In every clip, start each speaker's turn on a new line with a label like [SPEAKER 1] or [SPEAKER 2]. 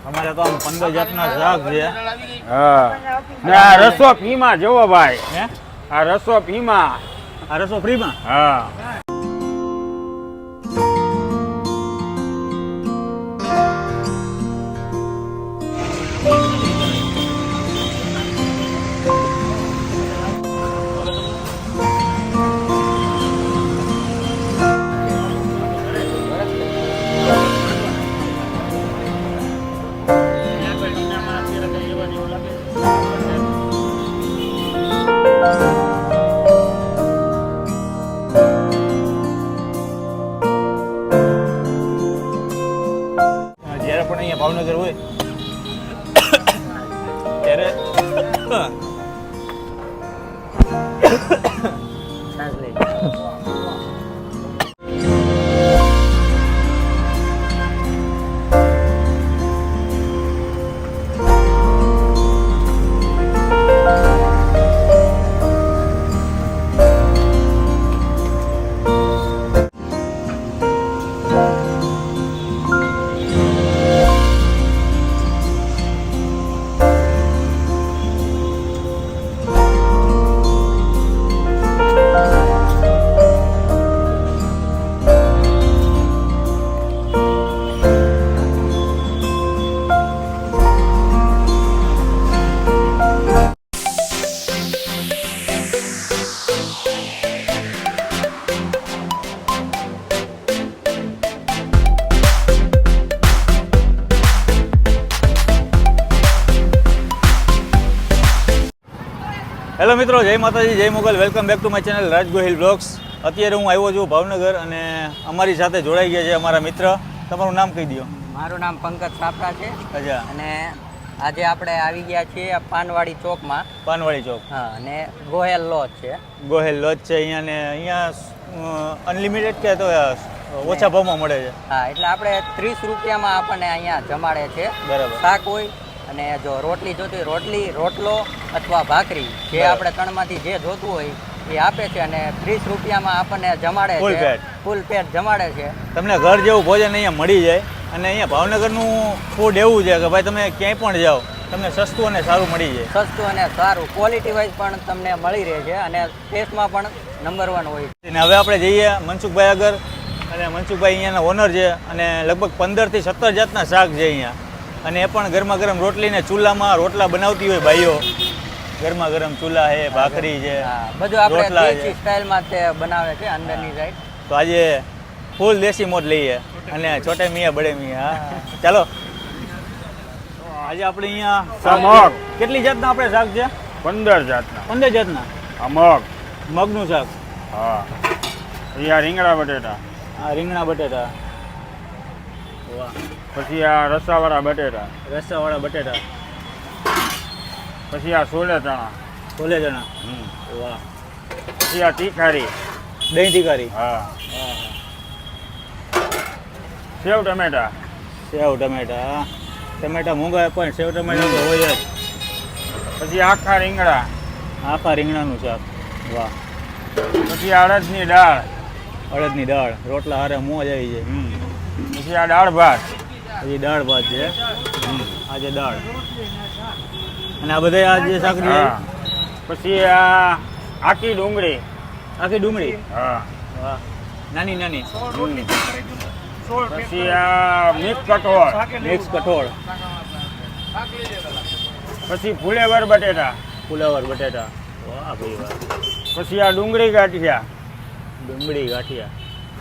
[SPEAKER 1] અમારે તો આમ 15 જાતના શાક છે.
[SPEAKER 2] હા ને આ રસો ફીમાં જોવો ભાઈ.
[SPEAKER 1] હે
[SPEAKER 2] આ રસો ફીમાં.
[SPEAKER 1] આ રસો ફ્રીમાં?
[SPEAKER 2] હા
[SPEAKER 1] જ્યારે પણ અહીંયા ભાવનગર હોય ત્યારે છાશ લઈ હેલો મિત્રો, જય માતાજી, જય Mogal. Welcome back to my channel Raj Gohil vlogs. અત્યારે હું આવ્યો છું ભાવનગર અને અમારી સાથે જોડાઈ ગયા છે અમારા મિત્ર. તમારું નામ કહી દો.
[SPEAKER 3] મારું નામ પંકજ સાપરા છે.
[SPEAKER 1] અચ્છા.
[SPEAKER 3] અને આજે આપણે આવી ગયા છીએ પાનવાડી ચોકમાં.
[SPEAKER 1] પાનવાડી ચોક.
[SPEAKER 3] હા, અને ગોહેલ લોજ છે.
[SPEAKER 1] ગોહેલ લોજ છે અહીંયા ને અહીંયા અનલિમિટેડ કે તો ઓછા ભાવમાં મળે છે?
[SPEAKER 3] હા, એટલે આપણે 30 રૂપિયામાં આપણને અહીંયા જમાડે છે.
[SPEAKER 1] બરાબર.
[SPEAKER 3] શાક હોય અને જો રોટલી જોતી હોય રોટલી, રોટલો અથવા ભાખરી, જે આપણે ત્રણમાંથી જે જોતું હોય એ આપે છે અને 30 રૂપિયામાં આપણને જમાડે
[SPEAKER 1] ફૂલ
[SPEAKER 3] છે.
[SPEAKER 1] પેટ.
[SPEAKER 3] ફૂલ પેટ જમાડે છે.
[SPEAKER 1] તમને ઘર જેવું ભોજન અહીંયા મળી જાય. અને અહીંયા ભાવનગરનું ફૂડ એવું છે કે ભાઈ તમે ક્યાંય પણ જાઓ તમને સસ્તું અને સારું મળી જાય.
[SPEAKER 3] સસ્તું અને સારું, ક્વોલિટી વાઇઝ પણ તમને મળી રહે છે અને ટેસ્ટમાં પણ નંબર 1 હોય.
[SPEAKER 1] અને હવે આપણે જઈએ મનસુખભાઈ આગળ. અને મનસુખભાઈ અહીંયાના ઓનર છે અને લગભગ 15 થી 17 જાતના શાક છે અહીંયા. અને એ પણ ગરમા ગરમ રોટલી ને ચૂલામાં રોટલા બનાવતી હોય બાઈઓ. ગરમા ગરમ ચૂલા છે, ભાખરી છે,
[SPEAKER 3] હા, બધું આપણે
[SPEAKER 1] રોટલા છે.
[SPEAKER 3] દેશી સ્ટાઇલમાં તે બનાવે છે અંદરની સાઈડ.
[SPEAKER 1] તો આજે ફૂલ દેશી મોજ લઈએ અને છોટે મિયા બડે મિયા. હા, ચાલો. આજે આપણે અહીંયા
[SPEAKER 2] મગ.
[SPEAKER 1] કેટલી જાતના આપણે શાક છે?
[SPEAKER 2] 15 જાતના.
[SPEAKER 1] 15 જાતના.
[SPEAKER 2] આ મગ.
[SPEAKER 1] મગનું શાક.
[SPEAKER 2] હા અહીંયા રીંગણા બટેટા.
[SPEAKER 1] આ રીંગણા બટેટા. વાહ.
[SPEAKER 2] પછી આ રસાવાળા બટેટા.
[SPEAKER 1] રસાવાળા બટેટા.
[SPEAKER 2] પછી આ છોલે ચણા.
[SPEAKER 1] છોલે ચણા. વાહ.
[SPEAKER 2] પછી આ તીખારી.
[SPEAKER 1] દહીં તીખારી.
[SPEAKER 2] હા સેવ ટમેટા.
[SPEAKER 1] સેવ ટમેટા. ટમેટા મોંઘા પણ સેવ ટમેટા તો હોય જ.
[SPEAKER 2] પછી આખા રીંગણા.
[SPEAKER 1] આખા રીંગણાનું શાક. વાહ.
[SPEAKER 2] પછી અડદની દાળ.
[SPEAKER 1] અડદની દાળ. રોટલા હારે મોજ આવી જાય.
[SPEAKER 2] પછી આ દાળ ભાત.
[SPEAKER 1] હજી દાળ ભાત છે. આજે દાળ. અને આ બધા આ જે શાક છે.
[SPEAKER 2] હા. પછી આ આખી ડુંગળી.
[SPEAKER 1] આખી ડુંગળી.
[SPEAKER 2] હા.
[SPEAKER 1] વાહ. નાની નાની.
[SPEAKER 2] પછી આ મિક્સ કઠોળ.
[SPEAKER 1] મિક્સ કઠોળ.
[SPEAKER 2] પછી ફુલેવર બટેટા.
[SPEAKER 1] ફુલાવર બટેટા. વાહ ભાઈ વાહ.
[SPEAKER 2] પછી આ ડુંગળી ગાંઠિયા.
[SPEAKER 1] ડુંગળી ગાંઠિયા.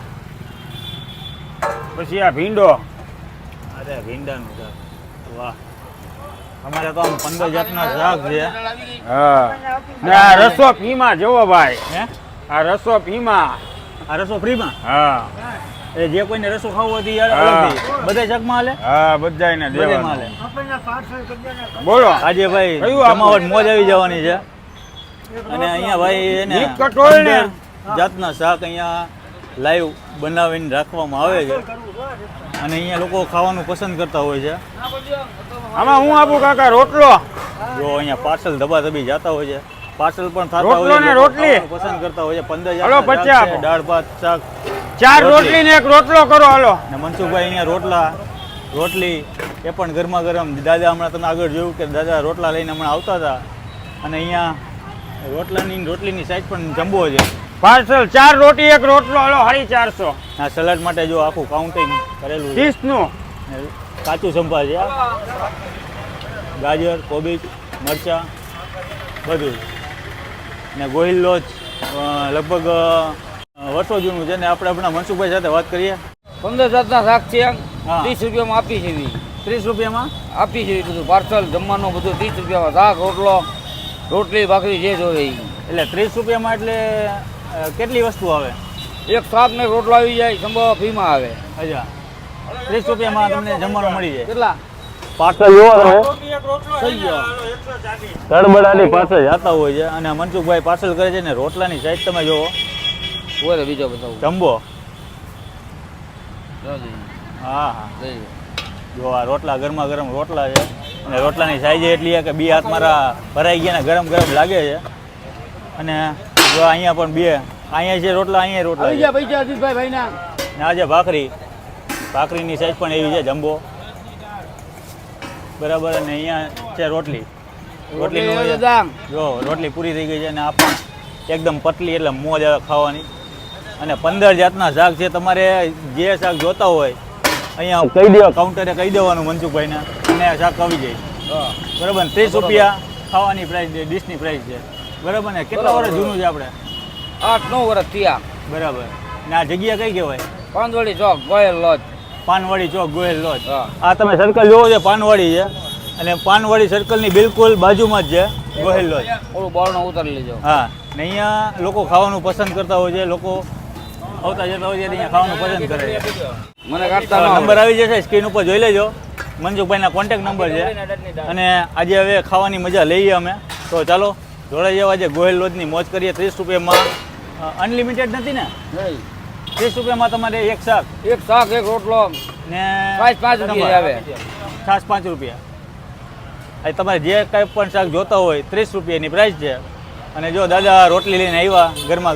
[SPEAKER 2] પછી આ ભીંડો.
[SPEAKER 1] અરે ભીંડાનું શાક. વાહ. અમારે તો આમ 15 જાતના શાક છે.
[SPEAKER 2] હા ને આ રસો ફીમાં જોવો ભાઈ.
[SPEAKER 1] હે
[SPEAKER 2] આ રસો ફીમાં.
[SPEAKER 1] આ રસો ફ્રીમાં?
[SPEAKER 2] હા
[SPEAKER 1] એ જે કોઈને રસો ખાવો હોય તો યાર
[SPEAKER 2] હા.
[SPEAKER 1] અલગથી બધા શાકમાં હાલે?
[SPEAKER 2] હા બધાયને
[SPEAKER 1] બધામાં હાલે.
[SPEAKER 2] દેવાનું. બોલો
[SPEAKER 1] આજે ભાઈ
[SPEAKER 2] કયું આપવું?
[SPEAKER 1] જમાવટ મોજ આવી જવાની છે. અને અહીંયા ભાઈ એને
[SPEAKER 2] મિક્સ કઠોળ ને?
[SPEAKER 1] 15 જાતના શાક અહીંયા લાઈવ બનાવીને રાખવામાં આવે છે. અને અહીંયા લોકો ખાવાનું પસંદ કરતા હોય છે.
[SPEAKER 2] આમાં હું આપું કાકા રોટલો.
[SPEAKER 1] જો અહીંયા પાર્સલ ધબાધબી જતા હોય છે. પાર્સલ પણ થતા
[SPEAKER 2] રોટલો
[SPEAKER 1] હોય છે.
[SPEAKER 2] ને
[SPEAKER 1] લોકો
[SPEAKER 2] રોટલી?
[SPEAKER 1] ખાવાનું પસંદ કરતા હોય છે. 15
[SPEAKER 2] હાલો,
[SPEAKER 1] જાતના
[SPEAKER 2] પછી
[SPEAKER 1] શાક છે.
[SPEAKER 2] આપો.
[SPEAKER 1] દાળ ભાત શાક.
[SPEAKER 2] 4 રોટલી ને 1 રોટલો કરો હાલો.
[SPEAKER 1] ને મનસુખભાઈ અહીંયા રોટલા રોટલી એ પણ ગરમા ગરમ. દાદા હમણાં તમે આગળ જોયું કે દાદા રોટલા લઈને હમણાં આવતા હતા અને અહીંયા રોટલીની સાઈઝ પણ જમ્બો છે.
[SPEAKER 2] પાર્સલ 4 રોટી 1 રોટલો હાલો 450.
[SPEAKER 1] આ સલાડ માટે જો આખું કાઉન્ટિંગ કરેલું છે.
[SPEAKER 2] 30 નું
[SPEAKER 1] કાચું સંભાર છે, ગાજર, કોબીજ, મરચાં બધું. ને ગોહિલ લોજ લગભગ વર્ષો જૂનું છે ને આપણે આપણા મનસુખભાઈ સાથે વાત કરીએ.
[SPEAKER 2] 15 જાતના શાક છે.
[SPEAKER 1] હા.
[SPEAKER 2] 30 રૂપિયામાં આપી છે.
[SPEAKER 1] 30 રૂપિયામાં
[SPEAKER 2] આપી છે બધું પાર્સલ જમવાનું બધું 30 રૂપિયામાં. શાક રોટલો રોટલી ભાખરી જે જોવે ઈ.
[SPEAKER 1] એટલે 30 રૂપિયામાં એટલે કેટલી વસ્તુ આવે?
[SPEAKER 2] એક શાક ને રોટલો આવી જાય, સંભાર ફ્રીમાં આવે.
[SPEAKER 1] અચ્છા, 30 રૂપિયામાં તમને જમવાનું મળી જાય.
[SPEAKER 2] કેટલા
[SPEAKER 1] પાર્સલ જોવો તમે
[SPEAKER 2] થઈ ગયો.
[SPEAKER 1] તળબડાની પાસે જતા હોય છે અને મનસુખભાઈ પાર્સલ કરે છે ને રોટલાની સાઈઝ તમે જોવો,
[SPEAKER 2] ઓરે બીજો બતાવું.
[SPEAKER 1] જમ્બો.
[SPEAKER 2] જોજી.
[SPEAKER 1] હા હા,
[SPEAKER 2] લઈ લો.
[SPEAKER 1] જો આ રોટલા ગરમા ગરમ રોટલા છે અને રોટલાની સાઈઝ એટલી છે કે 2 હાથ મારા ભરાઈ ગયા ને ગરમ ગરમ લાગે છે. અને જો અહીંયા પણ 2 અહીંયા છે રોટલા, અહીંયા રોટલા
[SPEAKER 2] આવી
[SPEAKER 1] છે.
[SPEAKER 2] ગયા પૈસા અજીતભાઈ ભાઈના.
[SPEAKER 1] ને આ છે ભાખરીની સાઈઝ પણ એવી છે જમ્બો, બરાબર. અને અહીંયા છે રોટલી. રોટલીનું
[SPEAKER 2] રોટલી
[SPEAKER 1] છે.
[SPEAKER 2] દામ.
[SPEAKER 1] જો રોટલી પૂરી થઈ ગઈ છે અને આ પણ એકદમ પતલી એટલે મોજ આવે ખાવાની. અને 15 જાતના શાક છે. તમારે જે શાક જોતા હોય અહીંયા કહી દેવા, કાઉન્ટરે કહી દેવાનું મનસુખભાઈને અને આ શાક આવી જાય. બરાબર ને 30 રૂપિયા ખાવાની પ્રાઇસ છે, ડીશની પ્રાઇસ છે. બરાબર ને કેટલા વર્ષ જૂનું છે આપણે?
[SPEAKER 2] 8-9 વર્ષ થયા.
[SPEAKER 1] બરાબર. ને આ જગ્યા કઈ કહેવાય?
[SPEAKER 2] પાંદોડી ચોક ગોયલ લોજ.
[SPEAKER 1] પાનવાડી ચોક ગોયલ લોજ.
[SPEAKER 2] હા.
[SPEAKER 1] આ તમે સર્કલ જોવો છે પાનવાડી છે અને પાનવાડી સર્કલની બિલકુલ બાજુમાં જ છે ગોહિલ લોજ.
[SPEAKER 2] ઓલું બોર્ડનો ઉતારી લેજો.
[SPEAKER 1] હા, ને અહીંયા લોકો ખાવાનું પસંદ કરતા હોય છે. લોકો આવતા જતા હોય છે અહીંયા ખાવાનું પસંદ કરે છે.
[SPEAKER 2] મને કાઢતા
[SPEAKER 1] નંબર આવી જશે સ્ક્રીન ઉપર જોઈ લેજો. મનસુખભાઈના કોન્ટેક્ટ નંબર છે. અને આજે હવે ખાવાની મજા લઈએ અમે. તો ચાલો જોડાઈ જવા છે, ગોહિલ લોજની મોજ કરીએ. 30 રૂપિયામાં અનલિમિટેડ નથી ને? 30 રૂપિયામાં તમારે એક શાક,
[SPEAKER 2] એક શાક એક રોટલો
[SPEAKER 1] ને
[SPEAKER 2] 5 રૂપિયા આવે.
[SPEAKER 1] છાશ 5 રૂપિયા. આ તમારે જે કાંઈ પણ શાક જોતા હોય 30 રૂપિયાની પ્રાઇસ છે. અને જો દાદા રોટલી લઈને આવ્યા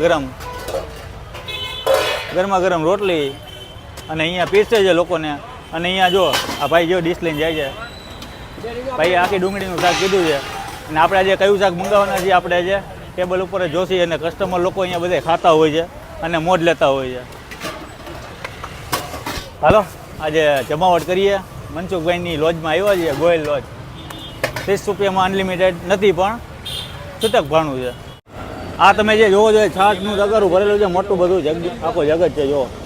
[SPEAKER 1] ગરમા ગરમ રોટલી અને અહીંયા પીરસે છે લોકોને. અને અહીંયા જો આ ભાઈ જો ડીશ લઈને જાય છે. ભાઈ આખી ડુંગળીનું શાક કીધું છે. અને આપણે આજે કયું શાક મંગાવવાના છીએ આપણે આજે ટેબલ ઉપર જોશી અને કસ્ટમર લોકો અહીંયા બધા ખાતા હોય છે અને મોજ લેતા હોય છે. હાલો આજે જમાવટ કરીએ. મનસુખભાઈની લોજમાં આવ્યા છીએ, ગોયલ લોજ. 30 રૂપિયામાં અનલિમિટેડ નથી પણ છૂટક ભાણું છે. આ તમે જે જોવો છો એ છાશનું તગારું ભરેલું છે, મોટું બધું આખો જગત છે જો.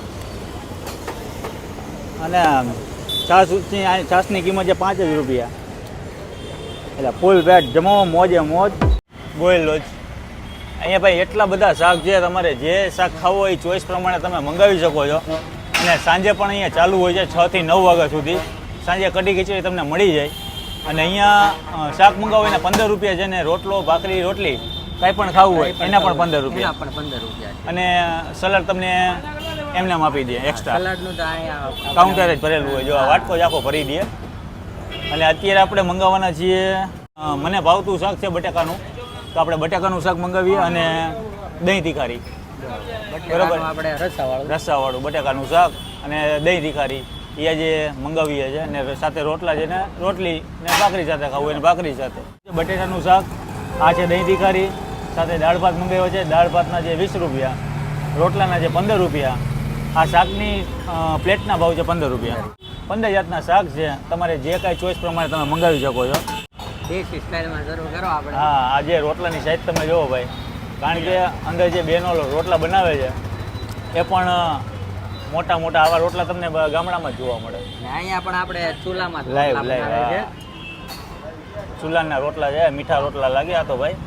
[SPEAKER 1] અને છાશની કિંમત છે 5 જ રૂપિયા. એટલે ફૂલ પેટ જમાવો, મોજે મોજ. ગોયલ લોજ. અહીંયા ભાઈ એટલા બધા શાક છે, તમારે જે શાક ખાવું હોય એ ચોઈસ પ્રમાણે તમે મંગાવી શકો છો. અને સાંજે પણ અહીંયા ચાલુ હોય છે 6 થી 9 વાગ્યા સુધી. સાંજે કઢી ખીચડી તમને મળી જાય. અને અહીંયા શાક મંગાવો એને 15 રૂપિયા છે ને રોટલો ભાખરી રોટલી કાંઈ પણ ખાવું હોય એના પણ 15 રૂપિયા.
[SPEAKER 3] પણ 15 રૂપિયા છે.
[SPEAKER 1] અને સલાડ તમને એમને આપી દે એક્સ્ટ્રા.
[SPEAKER 3] સલાડનું તો અહીંયા
[SPEAKER 1] કાઉન્ટર જ ભરેલું હોય જો આ વાટકો જ આખો ભરી દે. અને અત્યારે આપણે મંગાવવાના છીએ, મને ભાવતું શાક છે બટાકાનું, તો આપણે બટાકાનું શાક મંગાવીએ અને દહીં તીખારી. બરાબર,
[SPEAKER 3] આપણે
[SPEAKER 1] રસાવાળું બટાકાનું શાક અને દહીં તીખારી એ આજે મંગાવીએ છીએ. અને સાથે રોટલા છે ને રોટલી ને ભાખરી સાથે ખાવું હોય ને ભાખરી સાથે. બટેટાનું શાક આ છે, દહીં તીખારી સાથે દાળ ભાત મંગાવ્યો છે. દાળ ભાતના છે 20 રૂપિયા, રોટલાના છે 15 રૂપિયા. આ શાકની પ્લેટના ભાવ છે 15 રૂપિયા. 15 જાતના શાક છે. તમારે જે કાંઈ ચોઈસ પ્રમાણે તમે મંગાવી શકો છો.
[SPEAKER 3] દેશી સ્ટાઇલમાં જરૂર કરો આપણે.
[SPEAKER 1] હા, આ જે રોટલાની સાઈઝ તમે જોવો ભાઈ, કારણ કે અંદર જે બેનો રોટલા બનાવે છે એ પણ મોટા મોટા આવા રોટલા તમને ગામડામાં જ જોવા મળે.
[SPEAKER 3] ને અહીંયા પણ આપણે ચૂલામાં જ
[SPEAKER 1] લાઈવ
[SPEAKER 3] રોટલા બનાવે છે.
[SPEAKER 1] ચૂલાના રોટલા છે, મીઠા રોટલા લાગ્યા તો ભાઈ.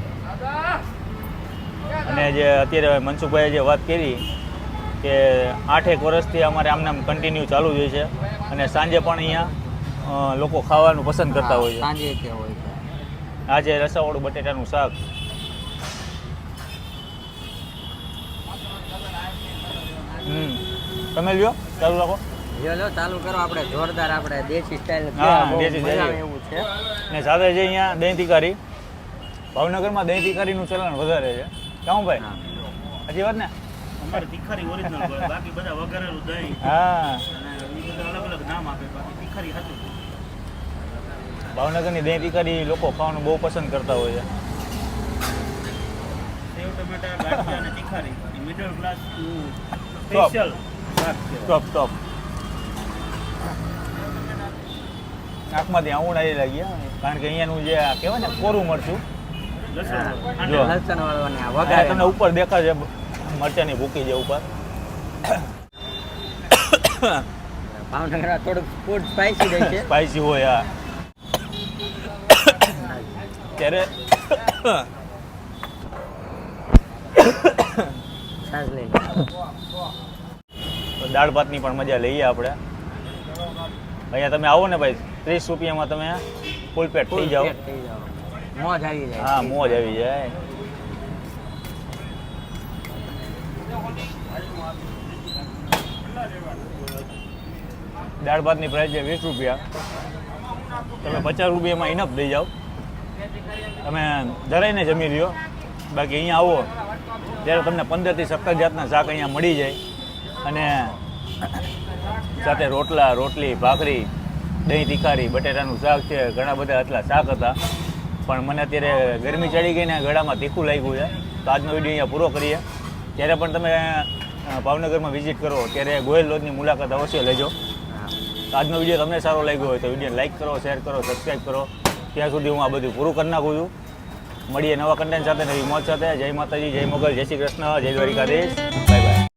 [SPEAKER 1] અને જે અત્યારે મનસુખભાઈએ જે વાત કરી કે 8 વર્ષથી અમારે આમને આમ કન્ટિન્યુ ચાલુ જ હોય છે. અને સાંજે પણ અહીંયા લોકો ખાવાનું પસંદ કરતા હોય છે.
[SPEAKER 3] સાંજે કે હોય છે.
[SPEAKER 1] આ છે રસાવાળું બટેટાનું શાક. તમે લ્યો, ચાલુ રાખો.
[SPEAKER 3] લો ચાલુ કરો. આપણે જોરદાર આપણે દેશી સ્ટાઇલ
[SPEAKER 1] હા, દેશી સ્ટાઇલ.
[SPEAKER 3] એવું છે.
[SPEAKER 1] ને સાથે છે અહીંયા દહીં તીખારી. ભાવનગરમાં દહીં તીખારીનું ચલણ વધારે છે. કેવું ભાઈ? હજી વાત ને?
[SPEAKER 4] અમારે તીખારી ઓરિજિનલ હોય, બાકી બધા વઘારેલું દહીં
[SPEAKER 1] હા,
[SPEAKER 4] અને એ બધા અલગ અલગ નામ આપે, બાકી તીખારી હતું.
[SPEAKER 1] ભાવનગરની દહીં તીખારી લોકો ખાવાનું બહુ પસંદ કરતા હોય છે.
[SPEAKER 4] સેવ ટમેટા ગાંઠિયા અને તીખારી મિડલ ક્લાસ સ્પેશિયલ શાક છે.
[SPEAKER 1] ટોપ આંખમાંથી આવું આવી લાગ્યા કારણ કે અહીંયાનું જે આ કહેવાય ને કોરું મરચું
[SPEAKER 4] લસણ
[SPEAKER 1] જો
[SPEAKER 3] લસણ વાળો ને આ
[SPEAKER 1] આ
[SPEAKER 3] વઘારેલો.
[SPEAKER 1] તમને ઉપર દેખાશે મરચાની ભૂકી છે ઉપર.
[SPEAKER 3] ભાવનગરમાં થોડુંક ફૂડ સ્પાઈસી રહે છે.
[SPEAKER 1] સ્પાઈસી હોય આ ત્યારે
[SPEAKER 3] છાશ લઈ લો.
[SPEAKER 1] તો દાળ ભાતની પણ મજા લઈએ આપણે. અહીંયા તમે આવો ને ભાઈ 30 રૂપિયામાં તમે ફૂલ પેટ થઈ જાઓ.
[SPEAKER 3] પેટ થઈ જાઓ. મોજ આવી જાય.
[SPEAKER 1] હા મોજ આવી જાય. દાળ ભાતની પ્રાઇસ છે 20 રૂપિયા. તમે 50 રૂપિયામાં ઇનફ દઈ જાઓ. તમે ધરાઈને જમી લ્યો. બાકી અહીંયા આવો ત્યારે તમને 15 થી 17 જાતના શાક અહીંયા મળી જાય અને સાથે રોટલા રોટલી ભાખરી દહીં તીખારી બટેટાનું શાક છે. ઘણા બધા એટલા શાક હતા પણ મને અત્યારે ગરમી ચડી ગઈ ને ગળામાં તીખું લાગ્યું છે તો આજનો વિડીયો અહીંયા પૂરો કરીએ. ત્યારે પણ તમે ભાવનગરમાં વિઝિટ કરો ત્યારે ગોયલ લોજની મુલાકાત અવશ્ય લેજો. તો આજનો વિડીયો તમને સારો લાગ્યો હોય તો વિડીયો લાઇક કરો શેર કરો સબસ્ક્રાઈબ કરો. ત્યાં સુધી હું આ બધું પૂરું કરી નાખું છું. મળીએ નવા કન્ટેન્ટ સાથે નવી મોજ સાથે. જય માતાજી જય મોગલ જય શ્રી કૃષ્ણ જય દ્વારિકાધીશ બાય બાય.